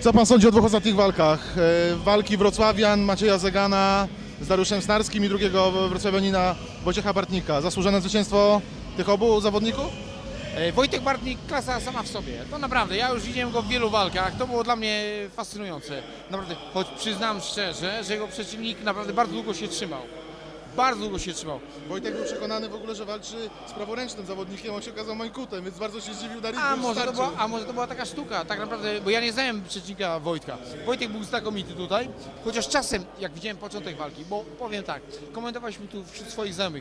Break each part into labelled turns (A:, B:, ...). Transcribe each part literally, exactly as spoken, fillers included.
A: Co pan sądzi o dwóch ostatnich walkach? E, walki wrocławian Macieja Zegana z Dariuszem Snarskim i drugiego wrocławianina Wojciecha Bartnika. Zasłużone zwycięstwo tych obu zawodników?
B: E, Wojtek Bartnik, klasa sama w sobie. To naprawdę, ja już widziałem go w wielu walkach, to było dla mnie fascynujące. Naprawdę, choć przyznam szczerze, że jego przeciwnik naprawdę bardzo długo się trzymał. Bardzo długo się trzymał.
A: Wojtek był przekonany w ogóle, że walczy z praworęcznym zawodnikiem, on się okazał mańkutem, więc bardzo się zdziwił Dariusz.
B: A może, to była, a może to była taka sztuka, tak naprawdę, bo ja nie znałem przeciwnika Wojtka. Wojtek był znakomity tutaj, chociaż czasem, jak widziałem początek walki, bo powiem tak, komentowaliśmy tu wśród swoich znajomych,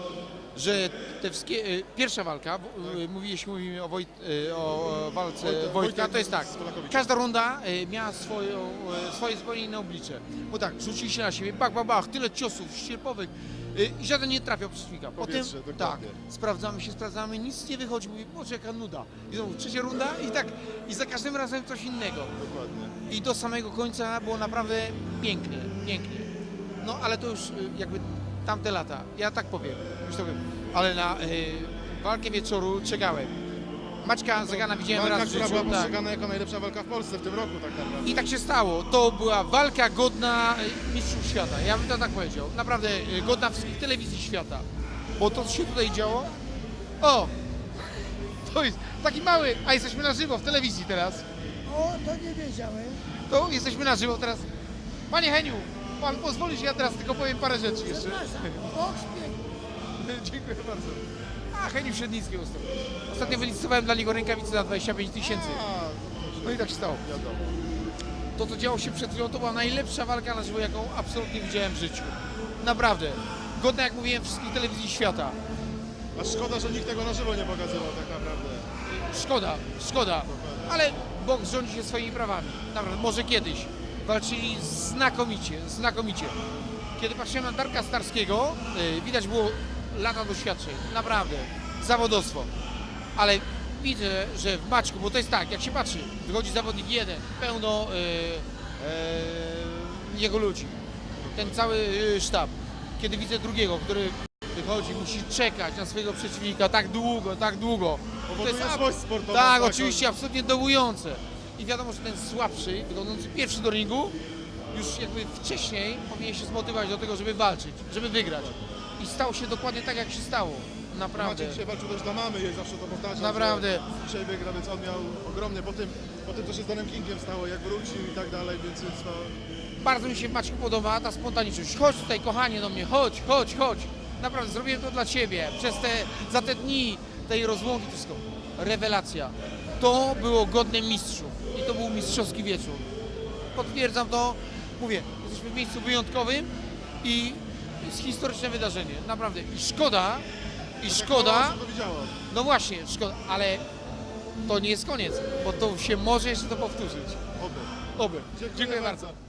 B: że te wszystkie, e, pierwsza walka, e, mówi, jeśli mówimy o, Wojt, e, o walce
A: Wojtek-
B: Wojtka,
A: Wojtek
B: to jest tak,
A: z Polakowiczem.
B: każda runda e, miała swoją, e, swoje zupełnie inne oblicze, bo tak, rzucili się na siebie, bach, bach, bach, tyle ciosów ścierpowych e, i żaden nie trafiał przeciwnika. Potem,
A: Powietrze,
B: tak,
A: dokładnie.
B: sprawdzamy się, sprawdzamy, nic nie wychodzi, mówię, boże jaka nuda. I znowu trzecia runda i tak, i za każdym razem coś innego.
A: Dokładnie.
B: I do samego końca było naprawdę pięknie, pięknie. No ale to już y, jakby tamte lata, ja tak powiem, już to powiem. Ale na y, walkę wieczoru czekałem. Maćka Zegana widziałem
A: Walka,
B: raz w
A: która
B: życiu,
A: była
B: tak.
A: postrzegana jako najlepsza walka w Polsce w tym roku tak naprawdę.
B: I tak się stało. To była walka godna y, mistrzów świata. Ja bym to tak powiedział. Naprawdę y, godna wszystkich telewizji świata. Bo to, co się tutaj działo... O! To jest taki mały... A jesteśmy na żywo w telewizji teraz.
C: O, to nie wiedziałem.
B: To jesteśmy na żywo teraz. Panie Heniu, pan pozwoli, że ja teraz tylko powiem parę rzeczy jeszcze.
C: Przepraszam. Boks piękny.
B: Dziękuję bardzo. A, Heniu Średnicki ustał. Ostatnio wylicytowałem dla niego rękawice za dwadzieścia pięć tysięcy. No i tak się stało.
A: Wiadomo.
B: To, co działo się przed chwilą, to była najlepsza walka na żywo, jaką absolutnie widziałem w życiu. Naprawdę. Godna, jak mówiłem, wszystkich telewizji świata.
A: A szkoda, że nikt tego na żywo nie pokazywał tak naprawdę.
B: Szkoda, szkoda. Ale boks rządzi się swoimi prawami. Naprawdę, może kiedyś. Walczyli znakomicie, znakomicie. Kiedy patrzyłem na Darka Starskiego, yy, widać było lata doświadczeń. Naprawdę. Zawodowstwo. Ale widzę, że w Maćku, bo to jest tak, jak się patrzy, wychodzi zawodnik jeden, pełno yy, yy, jego ludzi. Ten cały yy, sztab. Kiedy widzę drugiego, który wychodzi, musi czekać na swojego przeciwnika tak długo, tak długo.
A: Powoduje
B: ab-
A: złość sportową.
B: Tak,
A: taką.
B: oczywiście, absolutnie dołujące. I wiadomo, że ten słabszy, wychodzący pierwszy do ringu, już jakby wcześniej powinien się zmotywować do tego, żeby walczyć, żeby wygrać. I stało się dokładnie tak, jak się stało. Naprawdę.
A: Maciek dzisiaj walczył też dla mamy, jej zawsze to powtarzam.
B: Naprawdę.
A: że Dzisiaj wygra, więc on miał ogromnie po tym, po tym co się z Danem Kingiem stało, jak wrócił i tak dalej, więc jest to...
B: Bardzo mi się w Maćku podoba ta spontaniczność. Chodź tutaj, kochanie, do mnie, chodź, chodź, chodź. Naprawdę, zrobiłem to dla Ciebie. Przez te, za te dni tej rozłąki, to wszystko. Rewelacja. To było godne mistrzów. I to był mistrzowski wieczór. Potwierdzam to. Mówię, jesteśmy w miejscu wyjątkowym i jest historyczne wydarzenie. Naprawdę. I szkoda, i szkoda,
A: Tak to widziało.
B: no właśnie, szkoda, ale to nie jest koniec, bo to się może jeszcze to powtórzyć.
A: Oby.
B: Oby.
A: Dziękuję
B: Dziękuję
A: bardzo.
B: bardzo.